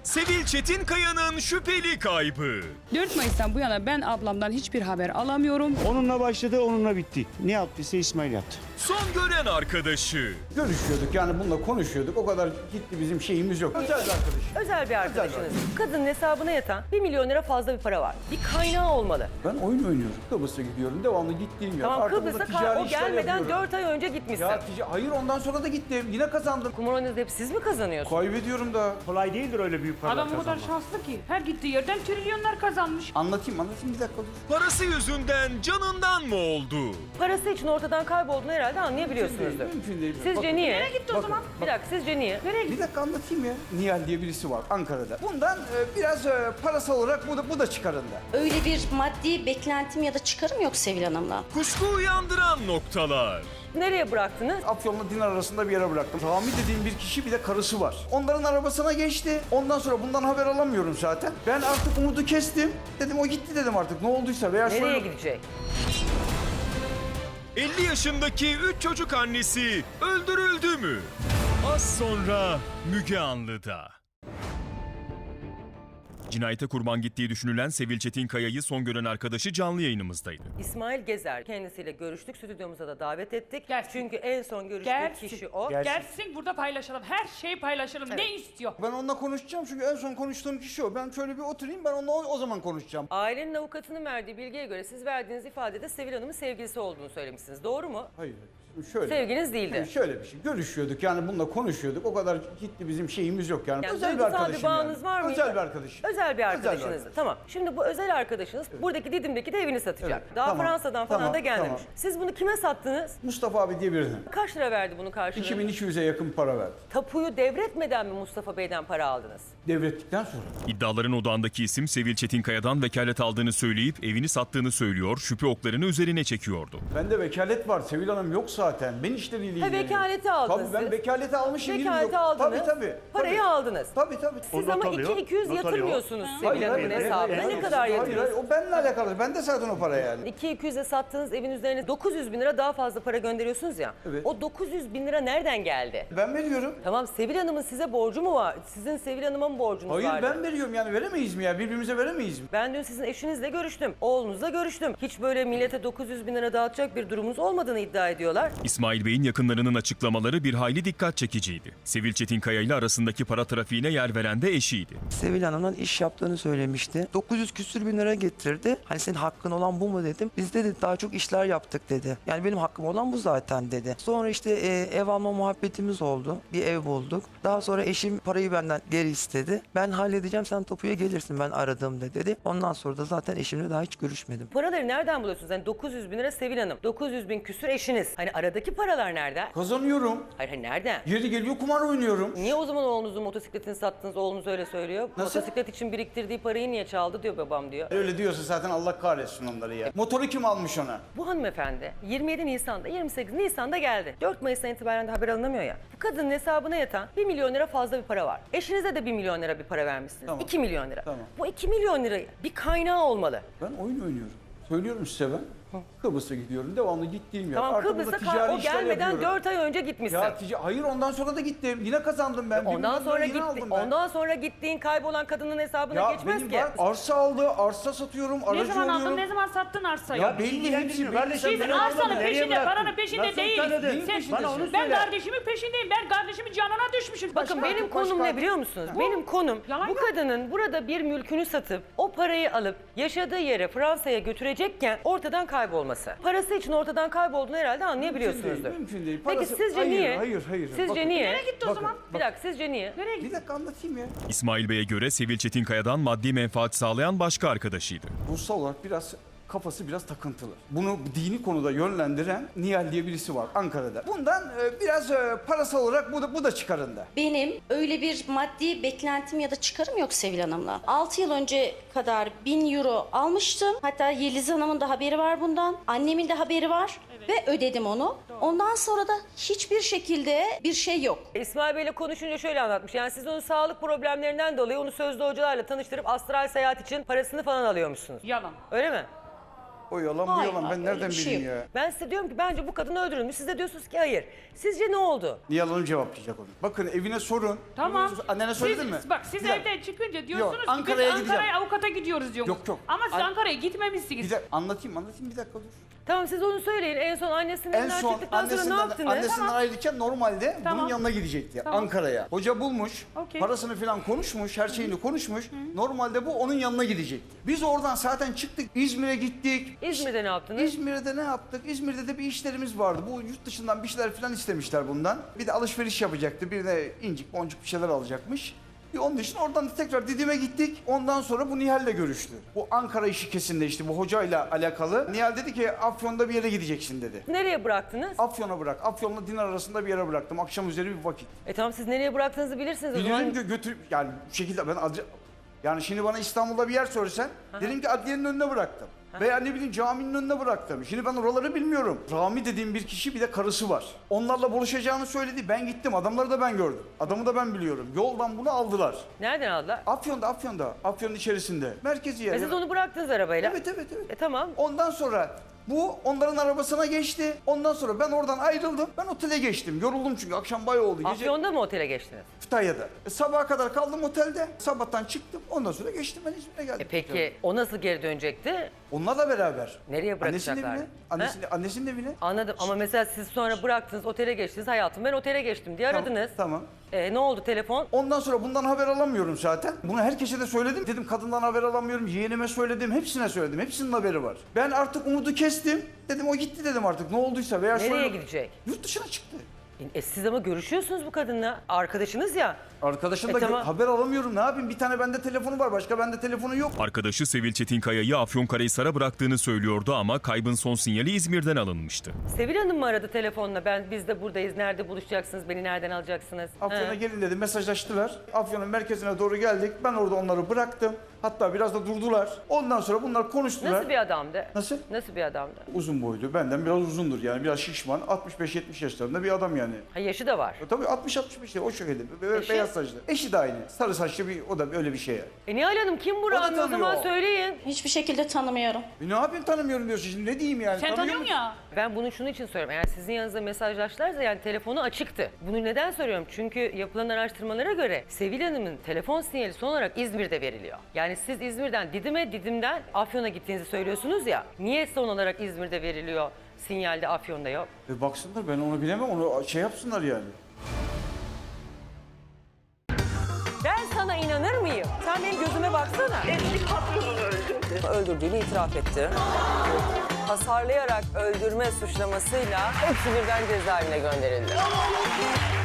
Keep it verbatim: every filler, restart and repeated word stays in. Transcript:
Sevil Çetinkaya'nın şüpheli kaybı. dört Mayıs'tan bu yana ben ablamdan hiçbir haber alamıyorum. Onunla başladı, onunla bitti. Ne yaptıysa İsmail yaptı. Son gören arkadaşı. Görüşüyorduk yani bununla konuşuyorduk. O kadar ciddi bizim şeyimiz yok. Özel bir arkadaş. Özel bir arkadaşınız. Kadının hesabına yatan bir milyon lira fazla bir para var. Bir kaynağı olmalı. Ben oyun oynuyorum. Kıbrıs'a gidiyorum. Devamlı gittiğim yer. Tamam, Arkamda Kıbrıs'a ticari o işler gelmeden yapıyorum. dört ay önce gitmişsin. Ya tica- hayır ondan sonra da gittim. Yine kazandım. Kumar oynadığınızda hep siz mi kazanıyorsunuz? Kaybediyorum da. Kolay değildir öyle büyük paralar Adam o kadar kazanmak. şanslı ki her gittiği yerden trilyonlar kazanmış. Anlatayım anlatayım bir dakika dur. Parası yüzünden canından mı oldu? Parası için ortadan kaybolduğunu herhalde anlayabiliyorsunuzdur. Mümkün değil. Sizce Bakın, niye? Nereye gitti o Bakın, zaman? Bir dakika, sizce niye? Nereye gitti? Bir dakika anlatayım ya. Nihal diye birisi var Ankara'da. Bundan e, biraz e, parasal olarak bu da, bu da çıkarında. Öyle bir maddi beklentim ya da çıkarım yok Sevil Hanım'la. Kuşku uyandıran noktalar. Nereye bıraktınız? Afyon'la Dinar arasında bir yere bıraktım. Rami dediğim bir kişi bir de karısı var. Onların arabasına geçti. Ondan sonra bundan haber alamıyorum zaten. Ben artık umudu kestim. Dedim o gitti dedim artık ne olduysa veya Nereye şöyle... gidecek? elli yaşındaki üç çocuk annesi öldürüldü mü? Az sonra Müge Anlı'da. Cinayete kurban gittiği düşünülen Sevil Çetinkaya'yı son gören arkadaşı canlı yayınımızdaydı. İsmail Gezer kendisiyle görüştük. Stüdyomuza da davet ettik. Gelsin. Çünkü en son görüştüğü Gelsin. kişi o. Gelsin burada paylaşalım. Her şeyi paylaşalım. Ne istiyor? Ben onunla konuşacağım çünkü en son konuştuğum kişi o. Ben şöyle bir oturayım ben onunla o, o zaman konuşacağım. Ailenin avukatının verdiği bilgiye göre siz verdiğiniz ifadede Sevil Hanım'ın sevgilisi olduğunu söylemişsiniz. Doğru mu? Hayır. Şöyle. Sevginiz değildi. Yani şöyle bir şey. Görüşüyorduk yani bununla konuşuyorduk. O kadar ciddi bizim şeyimiz yok yani. Yani özel bir duygusal bir arkadaşım bağınız yani. var mıydı? Özel bir arkadaşım. Özel bir arkadaşınız. arkadaşım. Tamam. Şimdi bu özel arkadaşınız buradaki Didim'deki de evini satacak. Evet, Daha tamam, Fransa'dan falan tamam, da gelmemiş. tamam. Siz bunu kime sattınız? Mustafa abi diye birine. Kaç lira verdi bunun karşılığını? iki bin iki yüze yakın para verdi. Tapuyu devretmeden mi Mustafa Bey'den para aldınız? Devrettikten sonra. İddiaların odağındaki isim Sevil Çetinkaya'dan vekalet aldığını söyleyip evini sattığını söylüyor, şüphe oklarını üzerine çekiyordu. Bende vekalet var. Sevil Hanım yok zaten. Ben işleriyle ilgileniyorum. vekaleti aldınız Tabii ben siz. vekaleti almışım. Vekaleti bilmiyorum. aldınız. Tabii tabii. Parayı tabii. aldınız. Tabii tabii. Siz not ama alıyor, iki iki yüz not alıyor. yatırmıyorsunuz Hayır, Sevil Hanım'ın hayır, hayır, hesabına. hayır, Ne hayır, kadar hayır, yatırıyorsunuz? hayır. O benimle alakalı. Ben de zaten o para yani. iki iki yüze sattığınız evin üzerine dokuz yüz bin lira daha fazla para gönderiyorsunuz ya. Evet. O dokuz yüz bin lira nereden geldi? Ben veriyorum. Tamam, Sevil Hanım'ın size borcu mu var? Sizin Sevil Hanım'a mı borcunuz Hayır vardı? ben veriyorum yani veremeyiz mi ya? Birbirimize veremeyiz mi? Ben dün sizin eşinizle görüştüm. Oğlunuzla görüştüm. Hiç böyle millete dokuz yüz bin lira dağıtacak bir durumunuz olmadığını iddia ediyorlar. İsmail Bey'in yakınlarının açıklamaları bir hayli dikkat çekiciydi. Sevil Çetinkaya ile arasındaki para trafiğine yer veren de eşiydi. Sevil Hanım'dan iş yaptığını söylemişti. dokuz yüz küsür bin lira getirdi. Hani senin hakkın olan bu mu dedim. Biz de daha çok işler yaptık dedi. Yani benim hakkım olan bu zaten dedi. Sonra işte e, ev alma muhabbetimiz oldu. Bir ev bulduk. Daha sonra eşim parayı benden geri istedi. Ben halledeceğim, sen tapuya gelirsin ben aradığımda dedi. Ondan sonra da zaten eşimle daha hiç görüşmedim. Paraları nereden buluyorsunuz? Yani dokuz yüz bin lira Sevil Hanım, dokuz yüz bin küsür eşiniz. Hani aradaki paralar nereden? Kazanıyorum. Hayır, hayır, nereden? Yeri geliyor kumar oynuyorum. Niye o zaman oğlunuzun motosikletini sattınız? Oğlunuz öyle söylüyor. Nasıl? Motosiklet için biriktirdiği parayı niye çaldı diyor babam diyor. Öyle diyorsa zaten Allah kahretsin onları ya. Motoru kim almış ona? Bu hanımefendi yirmi yedi Nisan'da, yirmi sekiz Nisan'da geldi. dört Mayıs'tan itibaren de haber alınamıyor ya. Bu kadının hesabına yatan bir milyon lira fazla bir para var. Eşinize de bir milyon lira bir para vermişsiniz. Tamam. iki milyon lira. Tamam. Bu iki milyon lira bir kaynağı olmalı. Ben oyun oynuyorum. Söylüyorum size ben. Kıbrıs'a gidiyorum. Devamlı gittiğim yer. Tamam, Arkamda Kıbrıs'a ticari kar- o işler gelmeden yapıyorum. dört ay önce gitmişsin. Ya tica- hayır ondan sonra da gittim. Yine kazandım ben. Bir Ondan milyon sonra lira yine gitti. aldım ben. Ondan sonra gittiğin kaybolan kadının hesabına Ya geçmez benim ki. var, arsa aldı, arsa satıyorum, Ne aracı zaman aldın, oluyorum. ne zaman sattın arsayı? Ya belli, belli hepsi hepsi belli. kardeşim. Biz Biz benim arsanın adamı nereye peşinde, bıraktın? paranın peşinde Nasıl değiliz. tanıdın? Neyin Sen, peşindesin? Bana onu ben söyle. kardeşimin peşindeyim. Ben kardeşimin canına düşmüşüm. Bakın benim konum ne biliyor musunuz? Benim konum Yalan bu yok. kadının burada bir mülkünü satıp o parayı alıp yaşadığı yere Fransa'ya götürecekken ortadan kaybolması. Parası için ortadan kaybolduğunu herhalde anlayabiliyorsunuzdur. Mümkün değil, mümkün değil. Peki Parası- sizce hayır, niye? hayır, hayır. Sizce Bakın. niye? Nereye gitti o Bakın, zaman? Bir dakika, sizce niye? Nereye gitti? Bir dakika anlatayım ya. İsmail Bey'e göre Sevil Çetinkaya'dan maddi menfaat sağlayan başka arkadaşıydı. Ruhsal olarak biraz kafası biraz takıntılı. Bunu dini konuda yönlendiren Nihal diye birisi var Ankara'da. Bundan e, biraz e, parasal olarak bu da, bu da çıkarında. Benim öyle bir maddi beklentim ya da çıkarım yok Sevil Hanım'la. altı yıl önce kadar bin euro almıştım. Hatta Yeliz Hanım'ın da haberi var bundan. Annemin de haberi var. Ve ödedim onu. Ondan sonra da hiçbir şekilde bir şey yok. İsmail Bey'le konuşunca şöyle anlatmış. Yani siz onun sağlık problemlerinden dolayı onu sözlü hocalarla tanıştırıp astral seyahat için parasını falan alıyormuşsunuz. Yalan. Öyle mi? O yalan bu Hayır, yalan. Ben hayır, nereden öyle bir şey bileyim yok. ya? Ben size diyorum ki bence bu kadın öldürülmüş. Siz de diyorsunuz ki hayır. Sizce ne oldu? Niye yalanı cevaplayacak onu? Bakın evine sorun. Tamam. Annene söyledin siz, mi? Bak siz Bir dakika. evden çıkınca diyorsunuz Yok, ki Ankara'ya biz gideceğim. Ankara'ya avukata gidiyoruz diyorsunuz. Yok, yok. Ama siz An- Ankara'ya gitmemişsiniz. Bir de anlatayım anlatayım bir dakika dur. Tamam siz onu söyleyin. En son annesinin En elinden son çıktıktan sonra ne annesinden, yaptınız? annesinden ayrılırken normalde Tamam. bunun yanına gidecekti Tamam. Ankara'ya. Hoca bulmuş, Okey. parasını falan konuşmuş, her şeyini konuşmuş. Normalde bu onun yanına gidecekti. Biz oradan zaten çıktık, İzmir'e gittik. İzmir'de ne yaptınız? İzmir'de ne yaptık? İzmir'de de bir işlerimiz vardı. Bu yurt dışından bir şeyler falan istemişler bundan. Bir de alışveriş yapacaktı. Bir de incik boncuk bir şeyler alacakmış. Bir onun için oradan da tekrar Didim'e gittik. Ondan sonra bu Nihal'le görüştü. Bu Ankara işi kesinleşti bu hocayla alakalı. Nihal dedi ki Afyon'da bir yere gideceksin dedi. Nereye bıraktınız? Afyon'a bırak. Afyon'la Dinar arasında bir yere bıraktım. Akşam üzeri bir vakit. E tamam siz nereye bıraktığınızı bilirsiniz o zaman. Biliyorum ki götürüp yani bu şekilde ben adre- yani şimdi bana İstanbul'da bir yer söylesen dedim ki adliyenin önüne bıraktım. Veya ne bileyim caminin önüne bıraktım. Şimdi ben oraları bilmiyorum. Rami dediğim bir kişi bir de karısı var. Onlarla buluşacağını söyledi. Ben gittim. Adamları da ben gördüm. Adamı da ben biliyorum. Yoldan bunu aldılar. Nereden aldılar? Afyon'da, Afyon'da. Afyon'un içerisinde. Merkezi yer. E siz onu bıraktınız arabayla. Evet, evet, evet. E tamam. Ondan sonra bu onların arabasına geçti. Ondan sonra ben oradan ayrıldım. Ben otele geçtim. Yoruldum çünkü akşam bay oldu. Gece Afyon'da mı otele geçtiniz? Kütahya'da. E, sabaha kadar kaldım otelde. Sabahtan çıktım. Ondan sonra geçtim ben İzmir'e geldim. E peki o nasıl geri dönecekti? Onlarla beraber. Nereye Annesinin bırakacaklardı? evine. Annesinin, annesinin evine. Anladım ama mesela siz sonra bıraktınız otele geçtiniz. Hayatım ben otele geçtim diye aradınız. Tamam. E, ne oldu telefon? Ondan sonra bundan haber alamıyorum zaten. Bunu herkese de söyledim. Dedim kadından haber alamıyorum. Yeğenime söyledim. Hepsine söyledim. Hepsinin haberi var. Ben artık umudu kestim. Dedim o gitti dedim artık. Ne olduysa veya Nereye şöyle- gidecek? Yurt dışına çıktı. E, siz ama görüşüyorsunuz bu kadınla. Arkadaşınız ya. Arkadaşım E, da gö- tamam. haber alamıyorum. Ne yapayım? Bir tane bende telefonu var. Başka bende telefonu yok. Arkadaşı Sevil Çetinkaya'yı Afyonkarahisar'a bıraktığını söylüyordu ama kaybın son sinyali İzmir'den alınmıştı. Sevil Hanım mı aradı telefonla? Ben biz de buradayız. Nerede buluşacaksınız? Beni nereden alacaksınız? Afyon'a Ha. gelin dedi. Mesajlaştılar. Afyon'un merkezine doğru geldik. Ben orada onları bıraktım. Hatta biraz da durdular. Ondan sonra bunlar konuştular. Nasıl bir adamdı? Nasıl? Nasıl bir adamdı? Uzun boylu. Benden biraz uzundur yani. Biraz şişman. altmış beş yetmiş yaşlarında bir adam yani. Ha, yaşı da var. E, Tabii altmış altmış beş o şekilde. Be- Eşi? Beyaz saçlı. Eşi de aynı. Sarı saçlı bir o da öyle bir şey yani. E Nihal Hanım kim bu O da Rami o zaman tanıyor. söyleyin. Hiçbir şekilde tanımıyorum. E, ne yapayım tanımıyorum diyorsun şimdi ne diyeyim yani. Sen Tanıyor tanıyorsun musun? ya. Ben bunu şunun için soruyorum. Eğer sizin yanınızda mesajlaştılarsa yani telefonu açıktı. Bunu neden soruyorum? Çünkü yapılan araştırmalara göre Sevil Hanım'ın telefon sinyali son olarak İzmir'de veriliyor. Yani siz İzmir'den Didim'e, Didim'den Afyon'a gittiğinizi söylüyorsunuz ya. Niye son olarak İzmir'de veriliyor, sinyalde Afyon'da yok? E, baksınlar ben onu bilemem onu şey yapsınlar yani. Ben sana inanır mıyım? Sen benim gözüme baksana. Eski patronunu öldürdü. Öldürdüğünü itiraf etti. Hasarlayarak öldürme suçlamasıyla hepsi birden cezaevine gönderildi.